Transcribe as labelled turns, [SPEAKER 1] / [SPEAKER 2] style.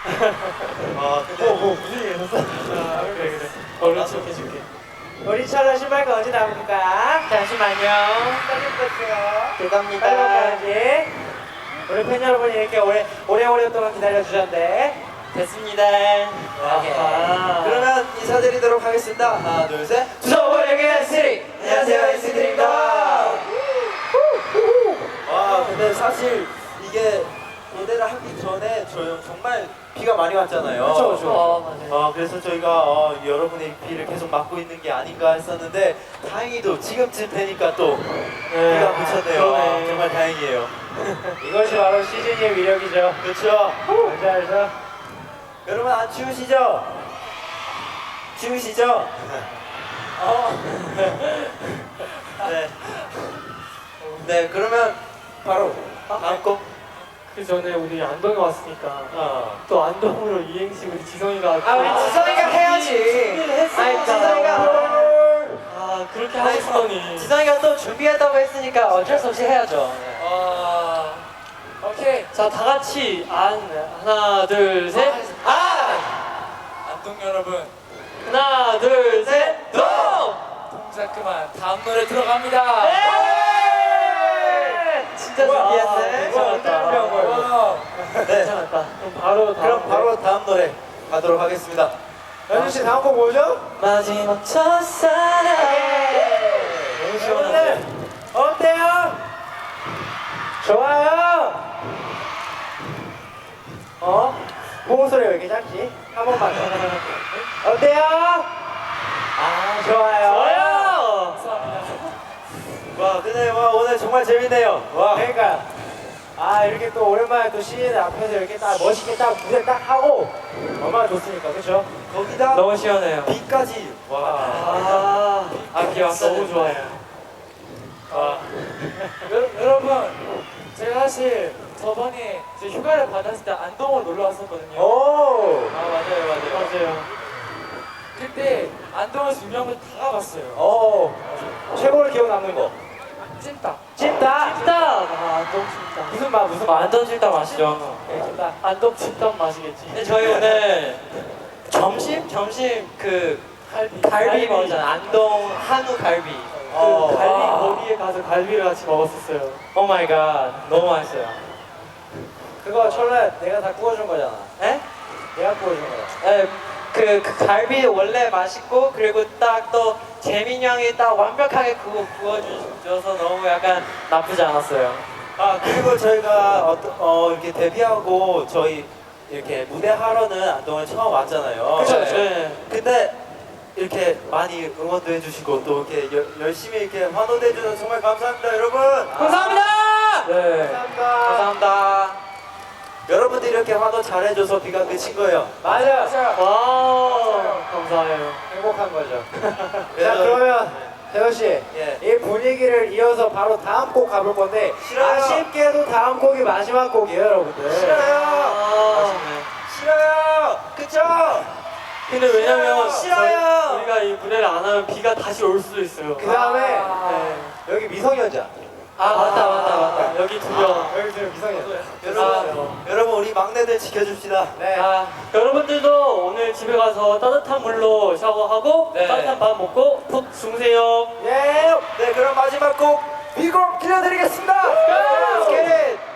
[SPEAKER 1] 근데
[SPEAKER 2] 무슨 일 있었어? 그래. 얼른 해줄게.
[SPEAKER 3] 우리 철러 신발가 언제 나옵니까?
[SPEAKER 2] 잠시만요.
[SPEAKER 3] 빨리 부탁드려요.
[SPEAKER 2] 죄송합니다.
[SPEAKER 3] 빨리 가야지. 우리 팬 여러분이 이렇게 오래 동안 기다려주셨는데.
[SPEAKER 2] 됐습니다.
[SPEAKER 3] 아하.
[SPEAKER 1] 그러면 인사드리도록 하겠습니다. 하나, 둘, 셋.
[SPEAKER 3] 주소보려게 쓰리. 안녕하세요, 인스드립니다.
[SPEAKER 1] 와, 근데 사실 이게 무대를 하기 전에 정말 비가 많이 왔잖아요.
[SPEAKER 3] 그쵸.
[SPEAKER 2] 맞아요.
[SPEAKER 1] 그래서 저희가 여러분의 비를 계속 막고 있는 게 아닌가 했었는데 다행히도 지금쯤 되니까 또 비가 그쳤네요.
[SPEAKER 2] 그러네.
[SPEAKER 1] 정말 다행이에요.
[SPEAKER 3] 이것이 바로 시즌의 위력이죠.
[SPEAKER 1] 그렇죠.
[SPEAKER 3] 알죠?
[SPEAKER 1] 여러분 안 추우시죠? 추우시죠? 네. 네, 그러면 바로 다음 곡.
[SPEAKER 2] 그 전에 우리 안동에 왔으니까 또 안동으로 이행시 우리 지성이가
[SPEAKER 3] 우리 지성이가 해야지.
[SPEAKER 2] 준비를 했어.
[SPEAKER 3] 아니, 지성이가.
[SPEAKER 2] 그렇게 하시더니
[SPEAKER 3] 지성이가 또 준비했다고 했으니까 어쩔 수 없이 해야죠.
[SPEAKER 2] 오케이. 자, 다 같이 하나, 둘, 셋.
[SPEAKER 1] 안동 여러분,
[SPEAKER 2] 하나, 둘, 셋. 동!
[SPEAKER 1] 동작 그만. 다음 노래 들어갑니다.
[SPEAKER 3] 진짜
[SPEAKER 1] 뭐야?
[SPEAKER 3] 준비했네.
[SPEAKER 2] 괜찮았다.
[SPEAKER 1] 네.
[SPEAKER 2] 괜찮았다.
[SPEAKER 1] 그럼 바로 다음 노래 가도록 하겠습니다.
[SPEAKER 3] 연준 씨 다음 곡 뭐죠?
[SPEAKER 2] 마지막 첫사랑.
[SPEAKER 1] 너무
[SPEAKER 3] 여러분들 어때요? 좋아요. 보고 소리가 왜 이렇게 작지? 한 번만 더. 어때요? 좋아요.
[SPEAKER 1] 와, 근데 오늘 정말 재밌네요. 와.
[SPEAKER 3] 그러니까 이렇게 또 오랜만에 또 시인 앞에서 이렇게 딱 멋있게 딱 무대 딱 하고 얼마나 좋습니까, 그렇죠?
[SPEAKER 1] 거기다
[SPEAKER 2] 너무 시원해요.
[SPEAKER 1] 비까지. 와.
[SPEAKER 2] 비 왔어. 너무 좋아요. 여러분, 제가 사실 저번에 휴가를 받았을 때 안동으로 놀러 왔었거든요.
[SPEAKER 3] 오.
[SPEAKER 2] 맞아요. 그때 안동에서 유명한 거 다 가봤어요.
[SPEAKER 3] 최고로 기억 남는 거.
[SPEAKER 2] 찜닭.
[SPEAKER 3] 찜닭.
[SPEAKER 2] 안동 찜닭.
[SPEAKER 3] 무슨 맛?
[SPEAKER 2] 안동 찜닭 맛이죠.
[SPEAKER 3] 찜닭.
[SPEAKER 2] 안동 찜닭 맛이겠지. 근데 저희 오늘 점심 그 갈비 먹었잖아요. 안동 한우 갈비. 그 갈비 거기에 가서 갈비를 같이 먹었었어요. 오 마이 갓. 너무 맛있어요.
[SPEAKER 3] 그거 철래 내가 다 구워준 거잖아.
[SPEAKER 2] 에?
[SPEAKER 3] 내가 구워준 거야.
[SPEAKER 2] 네, 그 갈비 원래 맛있고 그리고 딱 또 재민 형이 딱 완벽하게 그거 구워줘서 너무 약간 나쁘지 않았어요.
[SPEAKER 1] 그리고 저희가 이렇게 데뷔하고 저희 이렇게 무대 하러는 안동에 처음 왔잖아요.
[SPEAKER 3] 그쵸.
[SPEAKER 2] 네.
[SPEAKER 1] 근데 이렇게 많이 응원도 해주시고 또 이렇게 열심히 이렇게 환호도 해주셔서 정말 감사합니다, 여러분.
[SPEAKER 2] 감사합니다. 네.
[SPEAKER 3] 감사합니다.
[SPEAKER 2] 감사합니다.
[SPEAKER 1] 여러분들이 이렇게 환호 잘해줘서 비가 그친 거예요.
[SPEAKER 3] 맞아요.
[SPEAKER 2] 와, 감사해요.
[SPEAKER 3] 행복한 거죠.
[SPEAKER 1] 네.
[SPEAKER 3] 자, 그러면 태호 씨,
[SPEAKER 1] 예.
[SPEAKER 3] 이 분위기를 이어서 바로 다음 곡 가볼 건데
[SPEAKER 1] 싫어요.
[SPEAKER 3] 아쉽게도 다음 곡이 마지막 곡이에요, 여러분들.
[SPEAKER 1] 싫어요. 싫어요. 그쵸?
[SPEAKER 2] 근데 왜냐면
[SPEAKER 1] 싫어요.
[SPEAKER 2] 우리가 이 무대를 안 하면 비가 다시 올 수도 있어요.
[SPEAKER 3] 그 다음에
[SPEAKER 2] 네.
[SPEAKER 3] 여기 미성년자.
[SPEAKER 2] 맞다. 여기 두 명.
[SPEAKER 3] 여기 지금 미성년자.
[SPEAKER 1] 여러분 우리 막내들 지켜줍시다.
[SPEAKER 3] 네.
[SPEAKER 2] 여러분들도 오늘 집에 가서 따뜻한 물로 샤워하고
[SPEAKER 1] 네.
[SPEAKER 2] 따뜻한 밥 먹고 푹 주무세요.
[SPEAKER 3] 예.
[SPEAKER 1] 네, 그럼 마지막 곡 미국 들려드리겠습니다.
[SPEAKER 3] Let's
[SPEAKER 1] get it.